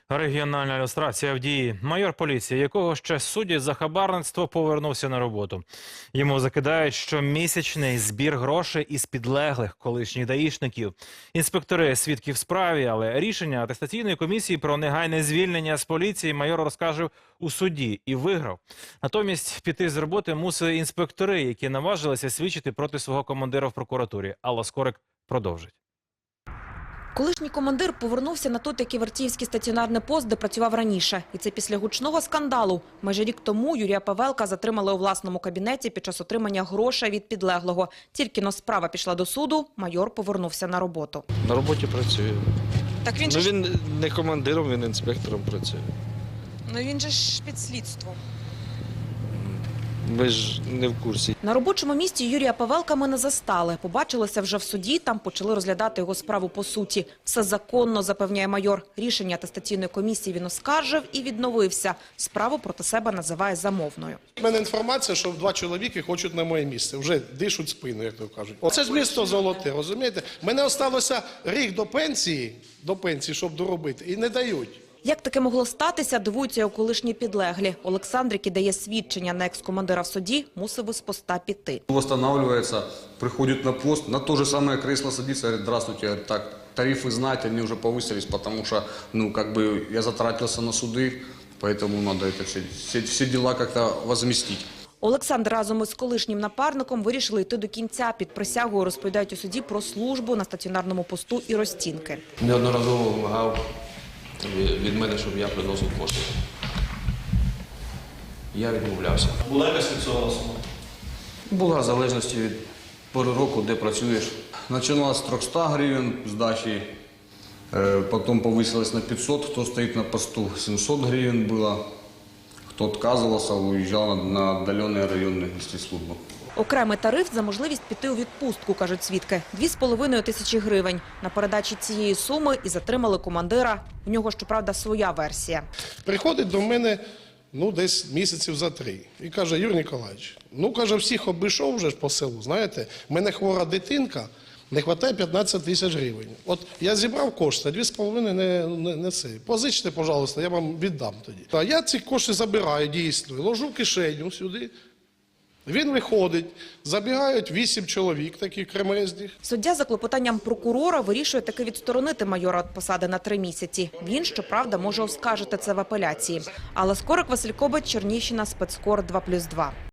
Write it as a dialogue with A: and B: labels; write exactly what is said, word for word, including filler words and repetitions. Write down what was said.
A: Регіональна люстрація в дії. Майор поліції, якого ще судять за хабарництво, повернувся на роботу. Йому закидають щомісячний збір грошей із підлеглих колишніх даїшників. Інспектори свідки в справі, але рішення атестаційної комісії про негайне звільнення з поліції майор розкаже у суді і виграв. Натомість піти з роботи мусили інспектори, які наважилися свідчити проти свого командира в прокуратурі. Алла Скорик продовжить.
B: Колишній командир повернувся на той таки Вертіївський стаціонарний пост, де працював раніше. І це після гучного скандалу. Майже рік тому Юрія Павелка затримали у власному кабінеті під час отримання грошей від підлеглого. Тільки-но справа пішла до суду, майор повернувся на роботу.
C: На роботі працює.
B: Так він
C: ну,
B: же
C: він не командиром, він інспектором працює.
B: Ну він же ж під слідством.
C: Ми ж не в курсі.
B: На робочому місці Юрія Павелка ми не застали. Побачилися вже в суді, там почали розглядати його справу по суті. Все законно, запевняє майор. Рішення атестаційної комісії він оскаржив і відновився. Справу проти себе називає замовною.
D: У мене інформація, що два чоловіки хочуть на моє місце. Вже дишуть спину, як то кажуть. Оце ж місто золоте, розумієте? Мене залишилося рік до пенсії, до пенсії, щоб доробити, і не дають.
B: Як таке могло статися, дивуються його колишні підлеглі. Олександр, який дає свідчення на екс-командира в суді, мусив із поста піти.
E: Восстанавливается, приходит на пост, на то же самое кресло садится, говорит: здравствуйте, говорит, так, тарифы знаете, они уже повысились, потому что, ну, как бы я затратился на суды, поэтому надо это все, все, все дела как-то возместить.
B: Олександр разом із колишнім напарником вирішили йти до кінця. Під присягою розповідають у суді про службу на стаціонарному посту і розцінки.
F: Неодноразово вимагав від мене, щоб я приносив кошти. Я відмовлявся.
G: Була якась фіксована сума?
F: Була в залежності від пори року, де працюєш.
E: Начиналось с трехсот гривен сдачи, потом повысилось на пятьсот, кто стоит на посту, семьсот гривен было. Кто отказывался, уезжал на отдаленные районы нести службу.
B: Окремий тариф за можливість піти у відпустку, кажуть свідки. Дві з половиною тисячі гривень. На передачі цієї суми і затримали командира. У нього, щоправда, своя версія.
D: Приходить до мене, ну, десь місяців за три. І каже: Юрій Ніколаївич, ну, каже, всіх обійшов вже ж по селу, знаєте, в мене хвора дитинка, не вистачає п'ятнадцять тисяч гривень. От я зібрав кошти, дві з половиною не, не, не це. Позичте, пожалуйста, я вам віддам тоді. А я ці кошти забираю, дійсно, ложу в кишеню сюди. Він виходить, забігають вісім чоловік, таких кремезних.
B: Суддя за клопотанням прокурора вирішує таки відсторонити майора від посади на три місяці. Він, щоправда, може оскаржити це в апеляції. Алла Скорик, Василь Кобець, Чернігівщина, спецкор два плюс два.